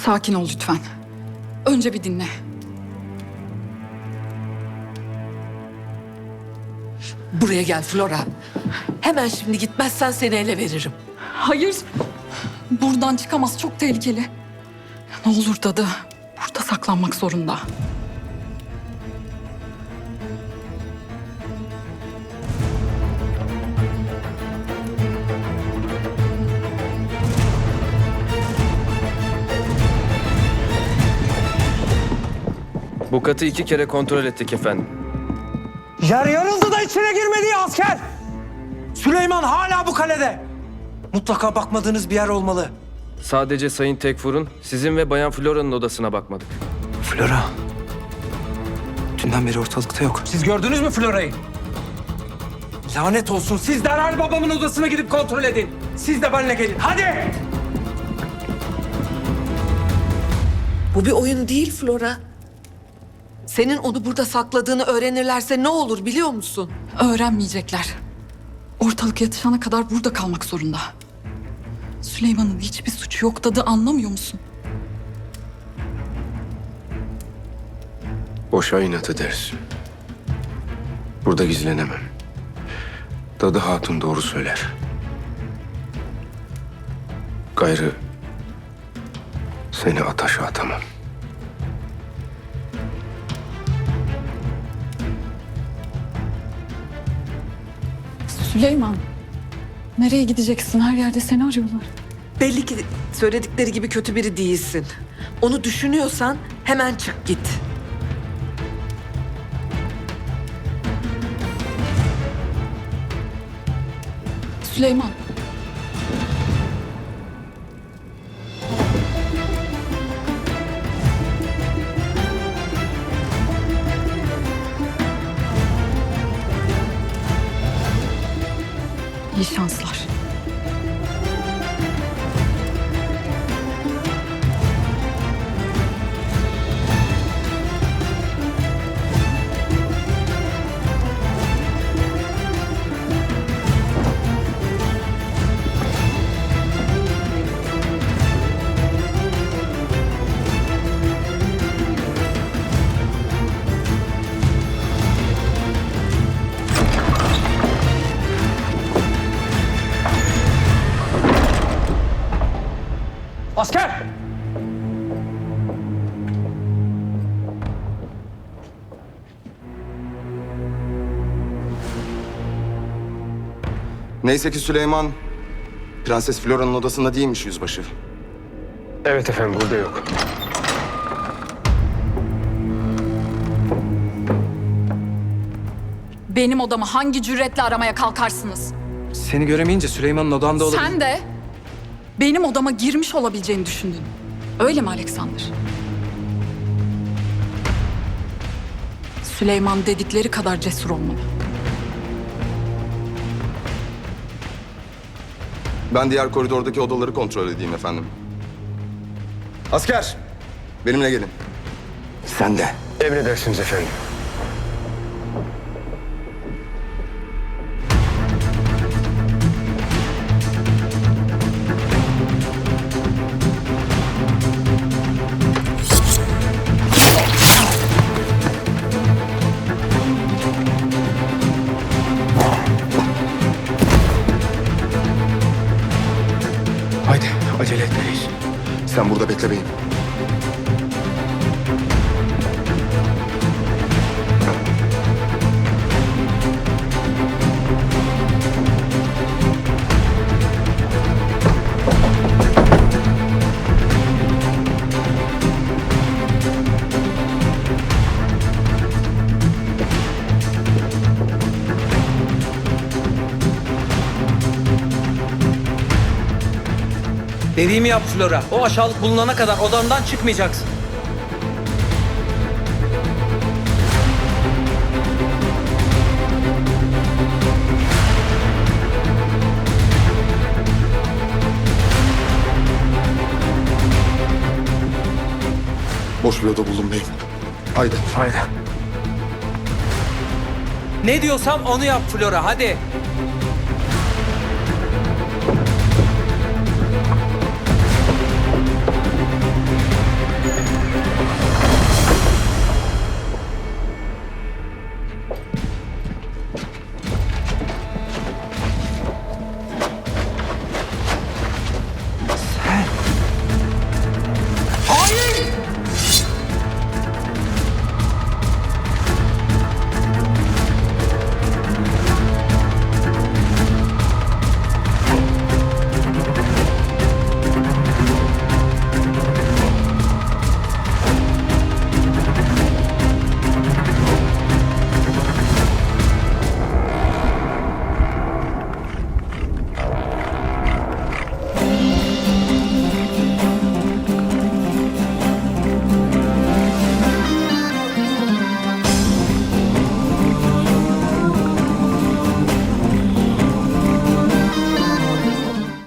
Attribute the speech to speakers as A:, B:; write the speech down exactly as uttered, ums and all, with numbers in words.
A: Sakin ol lütfen. Önce bir dinle.
B: Buraya gel Flora. Hemen şimdi gitmezsen seni ele veririm.
A: Hayır. Buradan çıkamaz. Çok tehlikeli. Ne olur dadı. Burada saklanmak zorunda.
C: Bu katı iki kere kontrol ettik efendim.
D: Yer yarıldı da içine girmedi ya asker. Süleyman hala bu kalede. Mutlaka bakmadığınız bir yer olmalı.
C: Sadece Sayın Tekfur'un sizin ve Bayan Flora'nın odasına bakmadık.
D: Flora. Dünden beri ortalıkta yok. Siz gördünüz mü Flora'yı? Lanet olsun. Siz derhal babamın odasına gidip kontrol edin. Siz de benimle gelin. Hadi!
B: Bu bir oyun değil Flora. Senin onu burada sakladığını öğrenirlerse ne olur biliyor musun?
A: Öğrenmeyecekler. Ortalık yatışana kadar burada kalmak zorunda. Süleyman'ın hiçbir suçu yok dadı, anlamıyor musun?
E: Boşa inat ederiz. Burada gizlenemem. Dadı Hatun doğru söyler. Gayrı seni ataşa atamam.
A: Süleyman, nereye gideceksin? Her yerde seni arıyorlar.
B: Belli ki söyledikleri gibi kötü biri değilsin. Onu düşünüyorsan hemen çık git.
A: Süleyman. İyi şanslar.
D: Asker!
E: Neyse ki Süleyman Prenses Flora'nın odasında değilmiş yüzbaşı.
C: Evet efendim, burada yok.
A: Benim odamı hangi cüretle aramaya kalkarsınız?
D: Seni göremeyince Süleyman'ın odanda olabilir.
A: Sen de benim odama girmiş olabileceğini düşündün. Öyle mi Alexander? Süleyman dedikleri kadar cesur olmalı.
E: Ben diğer koridordaki odaları kontrol edeyim efendim. Asker! Benimle gelin. Sen de.
C: Emredersiniz efendim.
E: Haydi acele etmeliyiz. Sen burada bekle beyim.
D: Dediğimi yap Flora. O aşağılık bulunana kadar odandan çıkmayacaksın.
E: Boş bir oda buldum beyim. Haydi.
C: Haydi.
D: Ne diyorsam onu yap Flora, hadi.